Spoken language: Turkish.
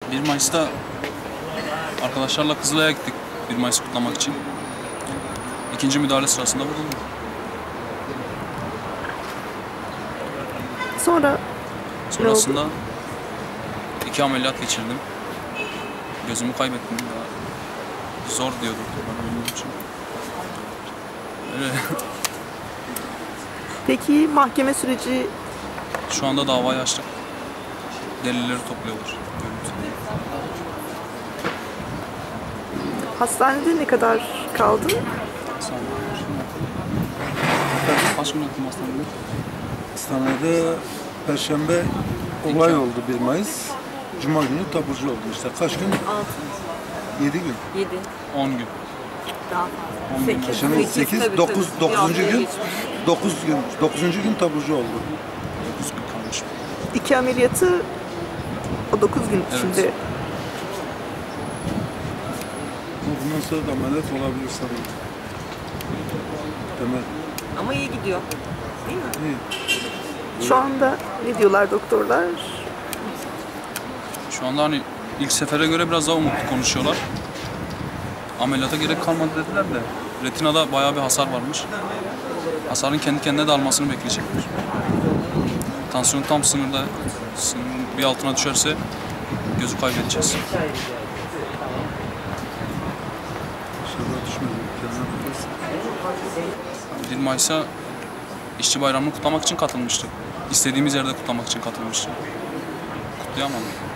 1 Mayıs'ta arkadaşlarla Kızılay'a gittik 1 Mayıs kutlamak için. İkinci müdahale sırasında vuruldum. Sonrasında 2 ameliyat geçirdim. Gözümü kaybettim. Daha zor diyor doktorlar benim için. Öyle. Peki mahkeme süreci Şu anda davayı açtık. Delilleri topluyorlar. hastanede ne kadar kaldın? Kaç gün yattım hastanede? Hastanede Perşembe olay oldu 1 Mayıs. Cuma günü taburcu oldu işte. Kaç gün? 7 gün. 7. 10 gün. Daha 10 gün. Perşembe 8, 9, 9. gün. 9. gün taburcu oldu. 9 gün kalmış. 2 ameliyatı o 9 gün Evet. içinde. Ama bundan sonra da ameliyat olabilir sanırım. Temel. Ama iyi gidiyor. Değil mi? İyi. Şu anda ne diyorlar doktorlar? Şu anda hani ilk sefere göre biraz daha umutlu konuşuyorlar. Ameliyata gerek kalmadı dediler de retinada bayağı bir hasar varmış. Hasarın kendi kendine de almasını bekleyecekler. Tansiyon tam sınırda, sınırın bir altına düşerse gözü kaybedeceğiz. İnşallah düşmedi. Kendine bakarsın. 1 Mayıs'a İşçi Bayramı'nı kutlamak için katılmıştık. İstediğimiz yerde kutlamak için katılmıştık. Kutlayamadık.